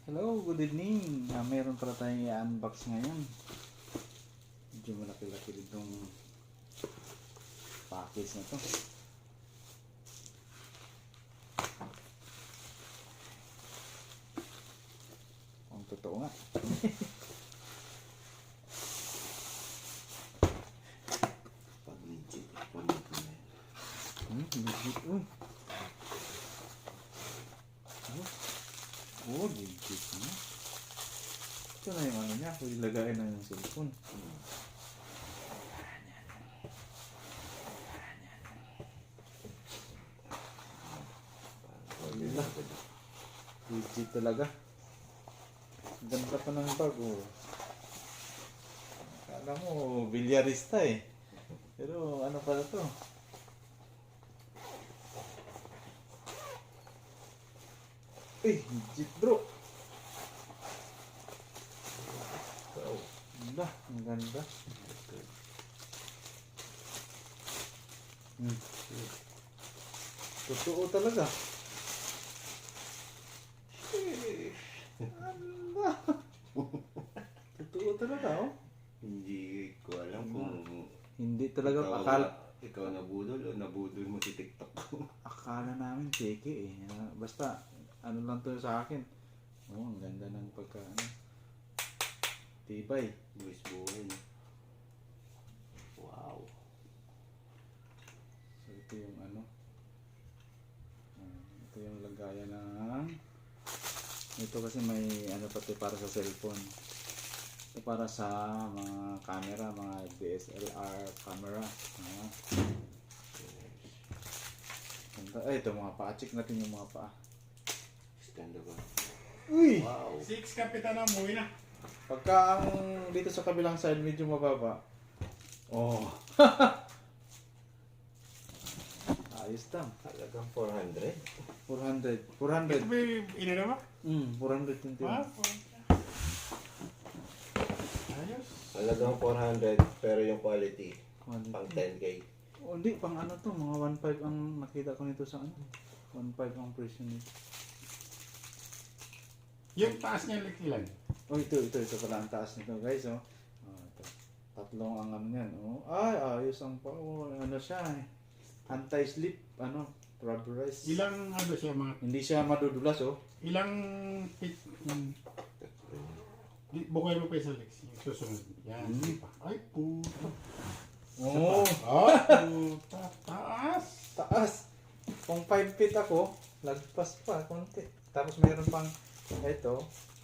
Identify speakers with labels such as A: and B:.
A: Hello, good evening. Meron pala tayong i-unbox ngayon. Medyo malaki-laki ditong package na to. Ang totoo nga.
B: Pag legit,
A: Legit. Oh, legit na. Ito na yung ano niya, kung ilagay na yung cellphone. Legit talaga. Ganda pa ng bag, oh. Akala mo, bilyarista eh. Pero ano pala to? Legit bro. Ganda, ang ganda. Totoo talaga. Ganda. Totoo talaga, oh.
B: Hindi ko alam kung
A: Hindi talaga
B: ikaw nabudol o nabudol mo si TikTok.
A: akala namin peke eh. Basta ano lang to sa akin. Oh, ang ganda ng pagka ano. Tibay.
B: Buwis buhay. Wow.
A: So ito yung ano. Ito yung lagayan ng ito kasi may ano pati para sa cellphone. Ito para sa mga camera, mga DSLR camera. Ganda. Ay, ito mga paa. Check natin yung mga paa.
B: Stand ba?
A: Uy!
B: Wow.
C: 6 kapitan na umuwi na.
A: Pagka ang dito sa kabilang side medyo mababa. Oh. Ayos lang.
B: Talagang 400.
A: 400.
C: Ito
A: 400.
C: ba yung inano ba?
A: 421.
C: Ayos.
B: Talagang 400 pero yung quality
A: Quality.
B: pang 10k.
A: Oh, hindi, pang ano to, mga 1.5 ang nakita ko nito sa ano. 1.5 ang presyo nito.
C: Yung taas niya ilan?
A: Oh, ito pala ang taas nito, guys, oh. Oh, ito. Tatlong ang ano yan, oh. Ay, ayos ang pa, oh, ano siya, eh. Anti-slip, ano, rubberized.
C: Ilang ano siya mga
A: Hindi siya madudulas, oh.
C: ilang feet bukay mo pa yung Lex. Yung susunod. Yan. Pa. Ay puta.
A: Oh,
C: Ah, puta. Taas.
A: taas. Kung 5 feet ako, lagpas pa, konti. Tapos meron pang, ito,